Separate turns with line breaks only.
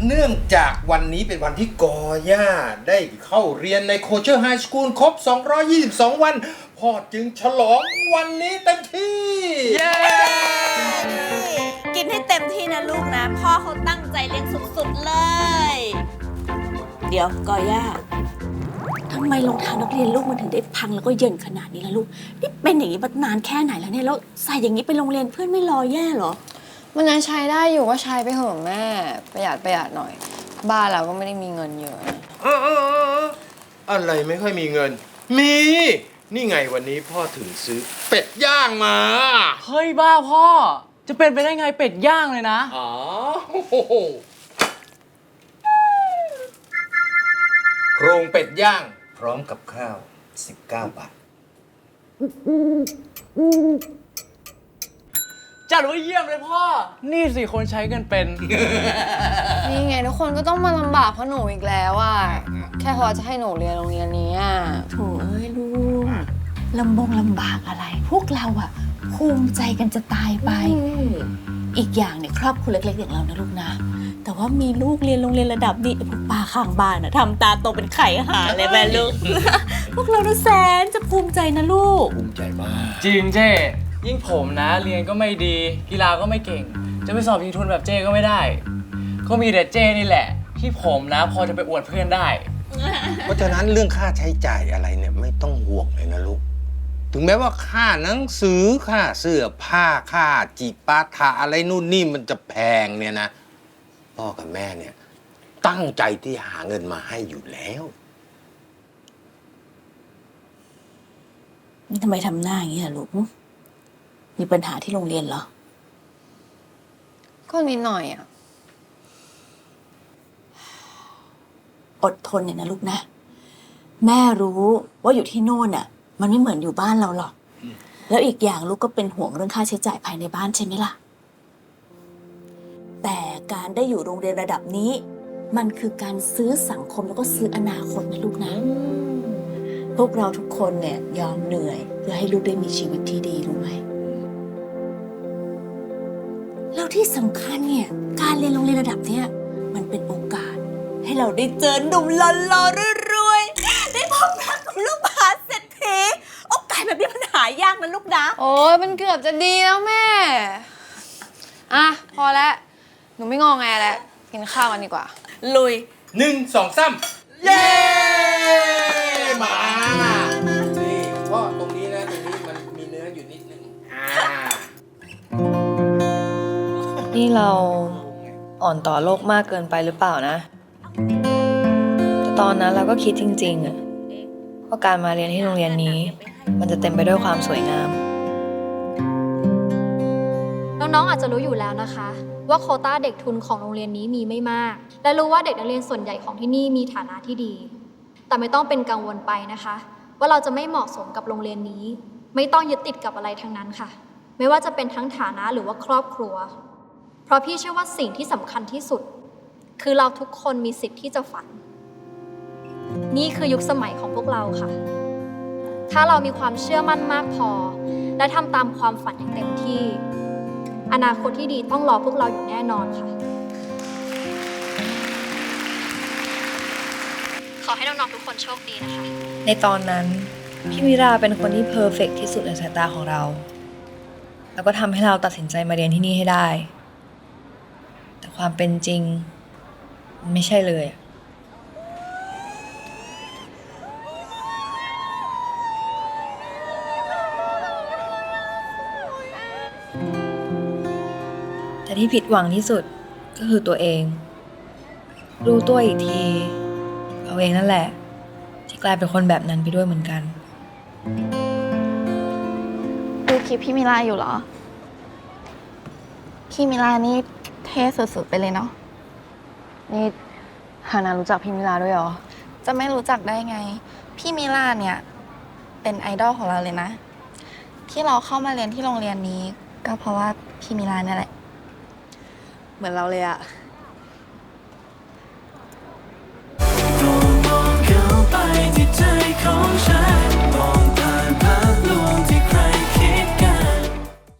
เนื่องจากวันนี้เป็นวันที่กอย่าได้เข้าเรียนในโคเชอร์ไฮสคูลครบ 222 วัน พ่อจึงฉลองวันนี้เต็มที่
เย้
กินให้เต็มที่นะลูกนะ พ่อเขาตั้งใจเลี้ยงสุดๆเลย เดี๋ยวกอย่าทำไมรองเท้านักเรียนลูกมันถึงได้พังแล้วก็เยินขนาดนี้ล่ะลูกนี่เป็นอย่างนี้มานานแค่ไหนแล้วเนี่ยแล้วใส่อย่างนี้ไปโรงเรียนเพื่อนไม่รอแย่เหรอ
มันยังใช้ได้อยู่ก็ใช้ไปเถอะแม่ประหยัดหน่อย บ้านเราก็ไม่ได้มีเงินเยอะ
อะไรไม่ค่อยมีเงิน มี นี่ไงวันนี้พ่อถึงซื้อเป็ดย่างมา
เฮ้ยบ้าพ่อ จะเป็นไปได้ไงเป็ดย่างเลยนะ
อ๋อโครงเป็ดย่างพร้อมกับข้าว 19 บาท
จัดว่าเยี่ยมเลยพ่อ นี่สิคนใช้เงินเป็น
นี่ไงทุกคนก็ต้องมาลำบากเพราะหนูอีกแล้วอ่ะแค่พอจะให้หนูเรียนโรงเรียนนี้อ่ะ
โถเอ้ยลูกลำบากอะไร พวกเราอะภูมิใจกันจะตายไป อีกอย่างเนี่ยครอบครัวเล็กๆอย่างเรานะลูกนะ แต่ว่ามีลูกเรียนโรงเรียนระดับนี้พวกป้าข้างบ้านอะทำตาโตเป็นไข่หาเลยแม่ลูก พวกเรานะแสนจะภูมิใจนะลูก
ภูมิใจมาก
จริงเจ้ยิ่งผมนะ เรียนก็ไม่ดีกีฬาก็ไม่เก่ง จะไปสอบชิงทุนแบบเจ้ก็ไม่ได้ ก็มีแต่เจ้นี่แหละ ที่ผมนะพอจะไปอวดเพื่อนได้
เพราะฉะนั้นเรื่องค่าใช้จ่ายอะไรเนี่ยไม่ต้องห่วงเลยนะลูก ถึงแม้ว่าค่าหนังสือค่าเสื้อผ้าค่าจิปาถะอะไรนู่นนี่มันจะแพงเนี่ยนะ พ่อกับแม่เนี่ยตั้งใจที่หาเงินมาให้อยู่แล้ว
นี่ทำไมทำหน้าอย่างนี้ล่ะลูก มีปัญหาที่โรงเรียนเหรอ
ก็นิดหน่อยอ่ะ
อดทนเนี่ยนะลูกนะ แม่รู้ว่าอยู่ที่โน่นน่ะ มันไม่เหมือนอยู่บ้านเราหรอก แล้วอีกอย่างลูกก็เป็นห่วงเรื่องค่าใช้จ่ายภายในบ้านใช่ไหมล่ะ แต่การได้อยู่โรงเรียนระดับนี้ มันคือการซื้อสังคมแล้วก็ซื้ออนาคตนะลูกนะ พวกเราทุกคนเนี่ยยอมเหนื่อยเพื่อให้ลูกได้มีชีวิตที่ดีรู้ไหม แล้วที่สำคัญเนี่ยการเรียนโรงเรียนระดับเนี้ยมันเป็นโอกาส ให้เราได้เจอหนุ่มหล่อๆรวยๆได้พบรักกับลูกมหาเศรษฐีโอกาสแบบนี้มันหายากนะลูกนะ
โอ้ยมันเกือบจะดีแล้วแม่อ่ะพอแล้วหนูไม่งอแงแล้วกินข้าวกันดีกว่า
ลุย
1 2 3 เย้ มานี่พ่อตรงนี้นะตรงนี้มันมีเนื้ออยู่นิดนึง
นี่เราอ่อนต่อโลกมากเกินไปหรือเปล่านะแต่ตอนนั้นเราก็คิดจริงๆอะว่าการมาเรียนที่โรงเรียนนี้ มันจะเต็มไปด้วยความสวยงาม
น้องๆอาจจะรู้อยู่แล้วนะคะ ว่าโควต้าเด็กทุนของโรงเรียนนี้มีไม่มาก และรู้ว่าเด็กนักเรียนส่วนใหญ่ของที่นี่มีฐานะที่ดี แต่ไม่ต้องเป็นกังวลไปนะคะ ว่าเราจะไม่เหมาะสมกับโรงเรียนนี้ ไม่ต้องยึดติดกับอะไรทั้งนั้นค่ะ ไม่ว่าจะเป็นทั้งฐานะหรือว่าครอบครัว เพราะพี่เชื่อว่าสิ่งที่สำคัญที่สุด คือเราทุกคนมีสิทธิ์ที่จะฝัน นี่คือยุคสมัยของพวกเราค่ะ ถ้าเรามีความเชื่อมั่นมากพอ และทำตามความฝันอย่างเต็มที่ อนาคตที่ดีต้องรอพวกเราอยู่แน่นอนค่ะ ขอให้น้องๆทุกคนโชคดีนะคะ
ในตอนนั้นพี่มิราเป็นคนที่เพอร์เฟกต์ที่สุดในสายตาของเรา แล้วก็ทำให้เราตัดสินใจมาเรียนที่นี่ให้ได้ แต่ความเป็นจริงมันไม่ใช่เลย แต่ที่ผิดหวังที่สุดก็คือตัวเอง รู้ตัวอีกทีเราเองนั่นแหละที่กลายเป็นคนแบบนั้นไปด้วยเหมือนกัน
ดูคลิปพี่มิลาอยู่เหรอ พี่มิลานี่เท่สุดๆไปเลยเนาะ
นี่ฮานารู้จักพี่มิลาด้วยเหรอ
จะไม่รู้จักได้ไง พี่มิลาเนี่ยเป็นไอดอลของเราเลยนะ ที่เราเข้ามาเรียนที่โรงเรียนนี้ ก็เพราะว่าพี่มิลาเนี่ยแหละ
เหมือนเราเลยอะ
มองเข้าไปที่ใจของฉัน